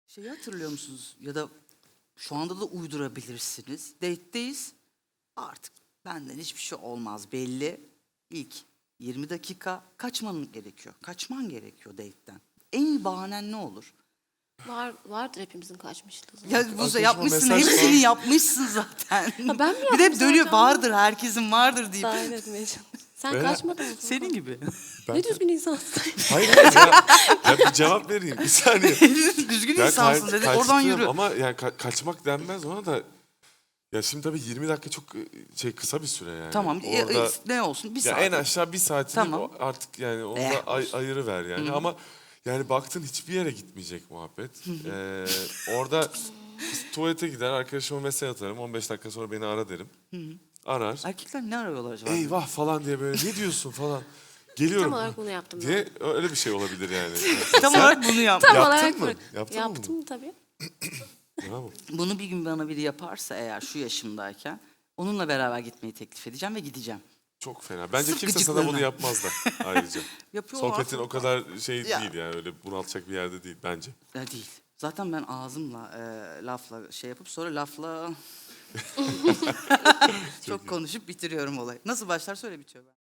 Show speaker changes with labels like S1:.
S1: Şeyi hatırlıyor musunuz? Ya da şu anda da uydurabilirsiniz. Date'deyiz. Artık benden hiçbir şey olmaz belli. İlk 20 dakika kaçman gerekiyor. Kaçman gerekiyor date'den. En iyi bahanen ne olur?
S2: Vardır hepimizin kaçmışlığı.
S1: Ya Buse
S3: Arkadaşıma
S1: yapmışsın,
S3: mesaj
S1: hepsini
S3: falan.
S1: yapmışsın zaten.
S2: Ha, ben mi
S1: Bir de hep
S2: yaptım
S1: dönüyor
S2: zaten?
S1: vardır, herkesin vardır deyip.
S2: Dahil etmeye çalışıyorum. Sen
S3: Ben-
S2: kaçmadın mı?
S1: Senin gibi.
S2: Ne düzgün insansın.
S3: Hayır hayır ya bir cevap vereyim bir saniye.
S1: Düzgün
S3: Ya
S1: insansın dedi. Oradan
S3: kaçtım
S1: yürü.
S3: ama yani kaçmak denmez ona da. Ya şimdi tabii 20 dakika çok kısa bir süre yani.
S1: Tamam.
S3: Orada,
S1: ne olsun? Bir
S3: ya
S1: saat.
S3: en aşağı bir saatini
S1: Tamam.
S3: artık yani onu da ayırı ver yani. Ama yani baktın hiçbir yere gitmeyecek muhabbet. Orada tuvalete gider, arkadaşıma mesaj atarım. 15 dakika sonra beni ara derim. Arar.
S1: Erkekler ne arıyorlar acaba?
S3: Eyvah falan diye böyle ne diyorsun falan. Geliyorum.
S2: Tam olarak bunu yaptım ben.
S3: diye öyle bir şey olabilir yani.
S1: Tam olarak bunu yap.
S2: Tam
S3: Yaptın
S2: olarak
S3: mı?
S2: bak.
S3: Yaptın mı
S2: Yaptım tabii.
S3: Bravo.
S1: Bunu bir gün bana biri yaparsa eğer şu yaşımdayken onunla beraber gitmeyi teklif edeceğim ve gideceğim.
S3: Çok fena. Bence
S1: Sırf
S3: kimse sana bunu
S1: gıcıklığına.
S3: yapmaz da ayrıca.
S1: Yapıyorlar.
S3: Sohbetin o kadar şey
S1: Ya.
S3: değil yani öyle bunaltacak bir yerde değil bence.
S1: Ya değil. Zaten ben ağzımla lafla şey yapıp sonra lafla çok konuşup bitiriyorum olayı. Nasıl başlar söyle bitiyor ben.